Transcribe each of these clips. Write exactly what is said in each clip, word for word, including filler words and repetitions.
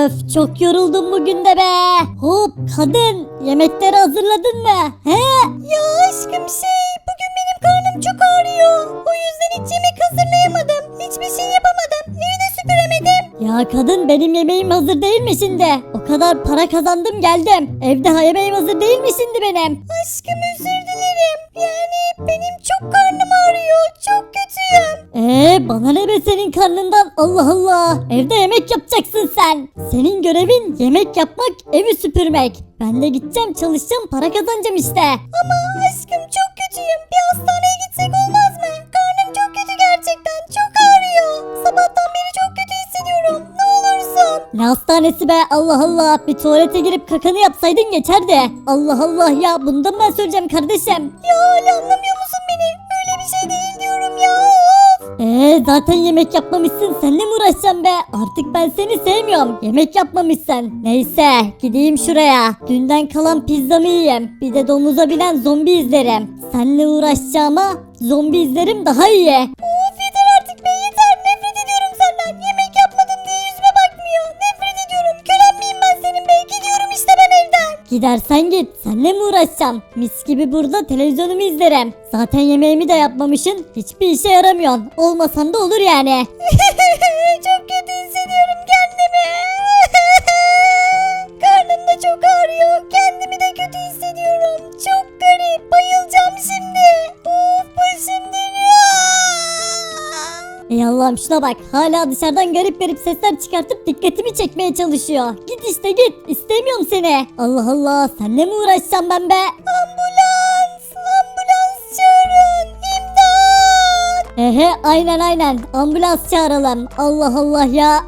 Öf, çok yoruldum bugün de be. Hop kadın, yemekleri hazırladın mı? He? Ya aşkım şey bugün benim karnım çok ağrıyor. O yüzden hiç yemek hazırlayamadım. Hiçbir şey yapamadım. Evi de süpüremedim. Ya kadın benim yemeğim hazır değil mi şimdi? O kadar para kazandım geldim. Evde ha yemeğim hazır değil mi şimdi benim? Aşkım özür dilerim. Yani benim çok karnım ağrıyor. Çok kötüyüm. Eee bana ne be senin karnından? Allah Allah. Evde yemek yapacaksın sen. Senin görevin yemek yapmak, evi süpürmek. Ben de gideceğim çalışacağım para kazanacağım işte. Ama aşkım çok kötüyüm. Bir hastaneye gitsek olmaz mı? Karnım çok kötü gerçekten. Çok ağrıyor. Sabahtan beri çok kötü hissediyorum. Ne olursun. Ne hastanesi be Allah Allah. Bir tuvalete girip kakanı yapsaydın geçerdi. Allah Allah ya bundan ben söyleyeceğim kardeşim. Ya hala anlamıyor musun beni? Öyle bir şey değil diyorum ya. Eee zaten yemek yapmamışsın, seninle mi uğraşacağım be? Artık ben seni sevmiyorum. Yemek yapmamışsın. Neyse gideyim şuraya. Dünden kalan pizzamı yiyeyim. Bir de domuza binen zombi izlerim. Seninle uğraşacağıma zombi izlerim daha iyi. Of yeter artık be yeter. Nefret ediyorum senden. Yemek yapmadın diye yüzüme bakmıyor. Nefret ediyorum. Kölen miyim ben senin be? Gidiyorum işte ben evden. Gidersen git. Seninle mi uğraşacağım? Mis gibi burada televizyonumu izlerim. Zaten yemeğimi de yapmamışsın. Hiçbir işe yaramıyorsun. Olmasan da olur yani. Çok kötü hissediyorum kendimi. Karnım da çok ağrıyor. Kendimi de kötü hissediyorum. Çok garip. Bayılacağım şimdi. Of başım dönüyor. Ey Allah'ım şuna bak. Hala dışarıdan garip garip sesler çıkartıp dikkatimi çekmeye çalışıyor. Git işte git. İstemiyorum seni. Allah Allah. Seninle mi uğraşacağım ben be? Ambulans. Ambulans çağırın. İmdat. Ehe aynen aynen. Ambulans çağıralım. Allah Allah ya.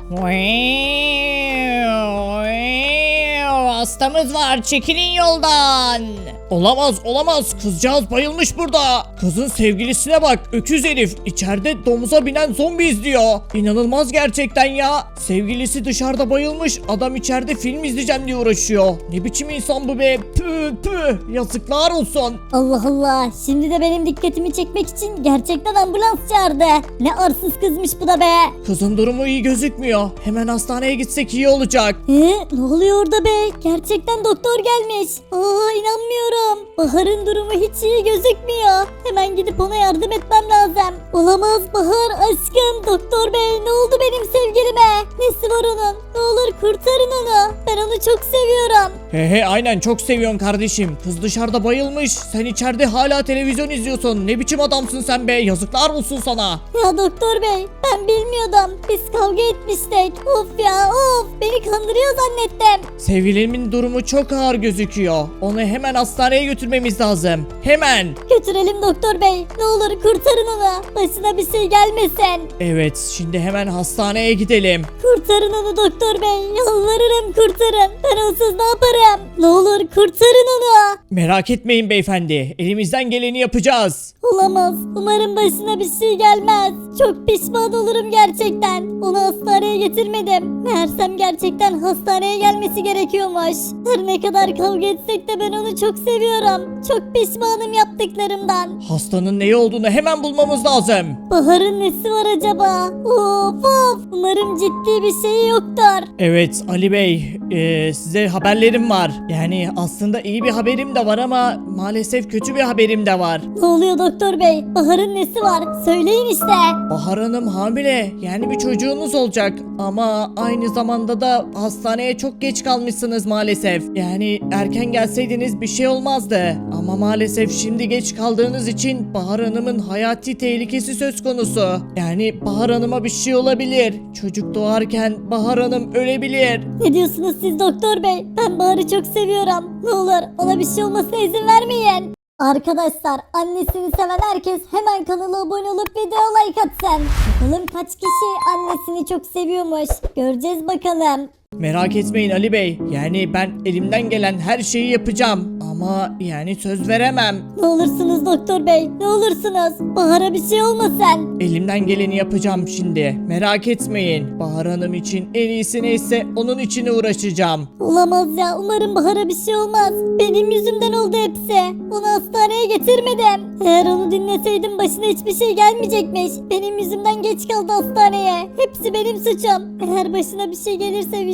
Hastamız var, çekilin yoldan. Olamaz olamaz, kızcağız bayılmış burada. Kızın sevgilisine bak, öküz herif içeride domuza binen zombi izliyor. İnanılmaz gerçekten ya. Sevgilisi dışarıda bayılmış, adam içeride film izleyeceğim diye uğraşıyor. Ne biçim insan bu be, püh püh, yazıklar olsun. Allah Allah. Şimdi de benim dikkatimi çekmek için gerçekten ambulans çağırdı. Ne arsız kızmış bu da be. Kızın durumu iyi gözükmüyor, hemen hastaneye gitsek iyi olacak. He, ne oluyor orada be? Gerçekten doktor gelmiş. Aa inanmıyorum. Bahar'ın durumu hiç iyi gözükmüyor. Hemen gidip ona yardım etmem lazım. Olamaz Bahar aşkım. Doktor bey ne oldu benim sevgilime? Nesi var onun? Ne olur kurtarın onu. Ben onu çok seviyorum. He he aynen çok seviyorsun kardeşim. Kız dışarıda bayılmış, sen içeride hala televizyon izliyorsun. Ne biçim adamsın sen be, yazıklar olsun sana. Ya doktor bey ben bilmiyordum. Biz kavga etmiştik. Of ya of beni kandırıyor zannettim. Sevgilimin durumu çok ağır gözüküyor. Onu hemen hastaneye götürmemiz lazım. Hemen. Götürelim doktor bey. Ne olur kurtarın onu. Başına bir şey gelmesin. Evet, şimdi hemen hastaneye gidelim. Kurtarın onu doktor bey. Yalvarırım kurtarın. Ben onsuz ne yaparım? Ne olur kurtarın onu. Merak etmeyin beyefendi. Elimizden geleni yapacağız. Olamaz. Umarım başına bir şey gelmez. Çok pişman olurum gerçekten. Onu hastaneye getirmedim. Meğersem gerçekten hastaneye gelmesi gerekiyormuş. Her ne kadar kavga etsek de ben onu çok seviyorum. Çok pişmanım yaptıklarımdan. Hastanın neyi olduğunu hemen bulmamız lazım. Bahar'ın nesi var acaba? Of of. Umarım ciddi bir şey yoktur. Evet Ali Bey, e, size haberlerim var. Yani aslında iyi bir haberim de var ama maalesef kötü bir haberim de var. Ne oluyor doktor bey? Bahar'ın nesi var? Söyleyin işte. Bahar Hanım hamile, yani bir çocuğunuz olacak ama aynı zamanda da hastaneye çok geç kalmışsınız maalesef. Yani erken gelseydiniz bir şey olmazdı ama maalesef şimdi geç kaldığınız için Bahar Hanım'ın hayati tehlikesi söz konusu. Yani Bahar Hanım'a bir şey olabilir. Çocuk doğarken Bahar Hanım ölebilir. Ne diyorsunuz siz doktor bey? Ben Bahar'ı çok seviyorum. Ne olur ona bir şey olmasına izin vermeyin. Arkadaşlar annesini seven herkes hemen kanala abone olup videoya like atsın. Bakalım kaç kişi annesini çok seviyormuş. Göreceğiz bakalım. Merak etmeyin Ali Bey. Yani ben elimden gelen her şeyi yapacağım. Ama yani söz veremem. Ne olursunuz doktor bey, ne olursunuz. Bahar'a bir şey olmasın. Elimden geleni yapacağım şimdi. Merak etmeyin. Bahar Hanım için en iyisi neyse onun için uğraşacağım. Olamaz ya, umarım Bahar'a bir şey olmaz. Benim yüzümden oldu hepsi. Onu hastaneye getirmedim. Eğer onu dinleseydim başına hiçbir şey gelmeyecekmiş. Benim yüzümden geç kaldı hastaneye. Hepsi benim suçum. Eğer başına bir şey gelirse vicdan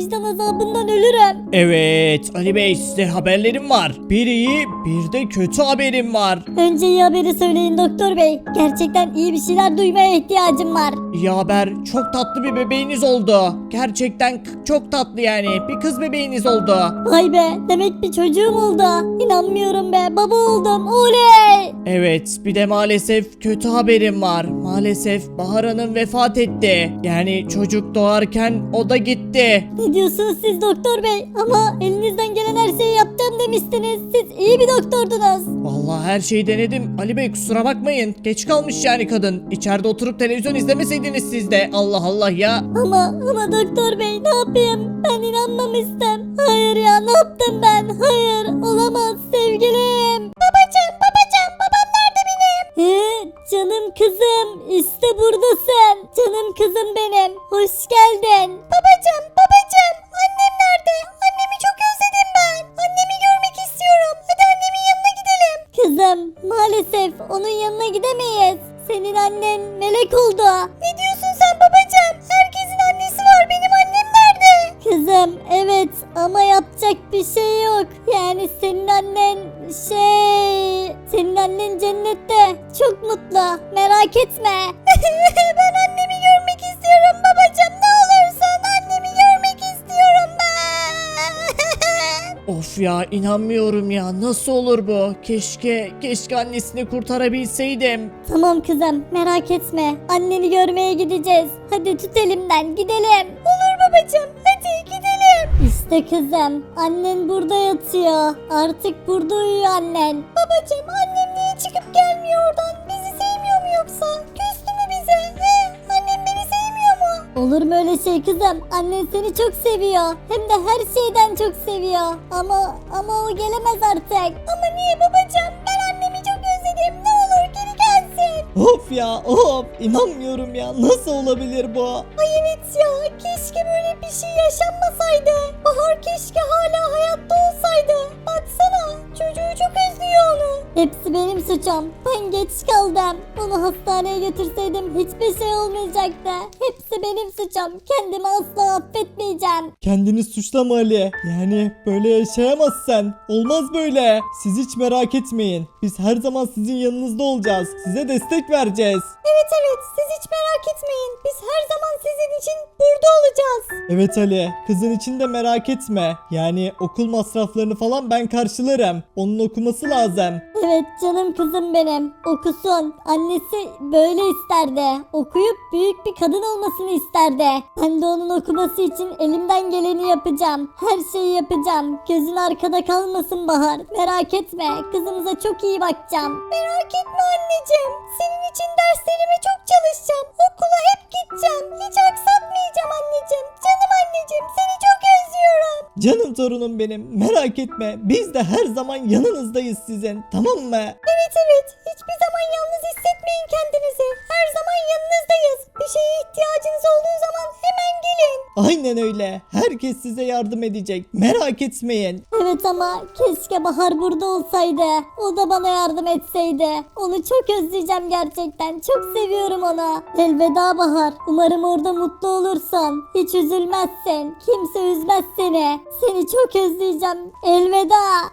vicdan azabından ölürüm. Evet Ali Bey, size haberlerim var. Bir iyi bir de kötü haberim var. Önce iyi haberi söyleyin doktor bey. Gerçekten iyi bir şeyler duymaya ihtiyacım var. İyi haber, çok tatlı bir bebeğiniz oldu. Gerçekten k- çok tatlı yani, bir kız bebeğiniz oldu. Vay be, demek bir çocuğum oldu. İnanmıyorum be, baba oldum. Oley! Evet, bir de maalesef kötü haberim var. Maalesef Bahar Hanım vefat etti. Yani çocuk doğarken o da gitti. Ne diyorsunuz siz doktor bey? Ama elinizden gelen her şeyi yaptım demiştiniz. Siz iyi bir doktordunuz. Vallahi her şeyi denedim. Ali Bey kusura bakmayın. Geç kalmış yani kadın. İçeride oturup televizyon izlemeseydiniz siz de. Allah Allah ya. Ama ama doktor bey ne yapayım? Ben inanmamıştım. Hayır ya, ne yaptım ben? Hayır, olamaz sevgilim. Babacım, babacım, babam nerede benim? He, canım kızım, işte buradasın. Canım kızım benim. Hoş geldin. Babacım, babacım, annem nerede? Annemi çok özledim ben. Annemi görmek istiyorum. Hadi annemin yanına gidelim. Kızım, maalesef onun yanına gidemeyiz. Senin annen melek oldu. Ne diyorsun sen babacığım? Herkesin annesi var. Benim annem nerede? Kızım evet, ama yapacak bir şey yok. Yani senin annen şey... Senin annen cennette. Çok mutlu. Merak etme. Ben annemi görmek istiyorum babacığım. Ne olursun annemi görmek istiyorum ben. Of ya, inanmıyorum ya. Nasıl olur bu? Keşke, keşke annesini kurtarabilseydim. Tamam kızım, merak etme. Anneni görmeye gideceğiz. Hadi tut elimden gidelim. Olur babacığım, hadi gidelim. İşte kızım, annen burada yatıyor. Artık burada uyuyor annen. Babacığım, annem niye çıkıp gelmiyor oradan? Bizi sevmiyor mu yoksa? Küstü mü bize? He? Annem beni sevmiyor mu? Olur mu öyle şey kızım? Annen seni çok seviyor. Hem de her şeyden çok seviyor. Ama ama o gelemez artık. Ama niye babacığım? Ben annemi çok özledim. Ne olur geri gelsin. Of ya, of. İnanmıyorum ya. Nasıl olabilir bu? Ay evet ya, keşke böyle bir şey yaşanmasaydı. Bahar keşke hala hayatta olsaydı. Baksana, çocuğu çok özlüyor onu. Hepsi benim suçum. Ben geç kaldım. Onu hastaneye götürseydim hiçbir şey olmayacaktı. Hepsi benim suçum. Kendimi asla affetmeyeceğim. Kendini suçlama Ali. Yani böyle yaşayamazsın. Olmaz böyle. Siz hiç merak etmeyin. Biz her zaman sizin yanınızda olacağız. Size destek vereceğiz. Evet evet, siz hiç merak etmeyin. Biz her zaman sizin için burada olacağız. Evet Ali, kızın için de merak etme. Yani okul masraflarını falan ben karşılarım. Onun okuması lazım. Evet canım kızım benim. Okusun. Annesi böyle isterdi. Okuyup büyük bir kadın olmasını isterdi. Ben de onun okuması için elimden geleni yapacağım. Her şeyi yapacağım. Gözün arkada kalmasın Bahar. Merak etme. Kızımıza çok iyi bakacağım. Merak etme anneciğim. Senin için derslerime çok çalışacağım. Okula hep gideceğim. Hiç aksatmayacağım anneciğim. Canım anneciğim, seni çok özlüyorum. Canım torunum benim, merak etme. Biz de her zaman yanınızdayız sizin. Tamam mı? Evet evet, hiçbir zaman yalnız hissetmeyin kendinizi. Her zaman yanınızdayız. Bir şeye ihtiyacınız olduğu zaman hemen gelin. Aynen öyle. Herkes size yardım edecek. Merak etmeyin. Evet ama keşke Bahar burada olsaydı. O da bana yardım etseydi. Onu çok özleyeceğim gerçekten. Çok seviyorum onu. Elveda Bahar. Umarım orada mutlu olursun. Hiç üzülmezsin. Kimse üzmez seni. Seni çok özleyeceğim. Elveda.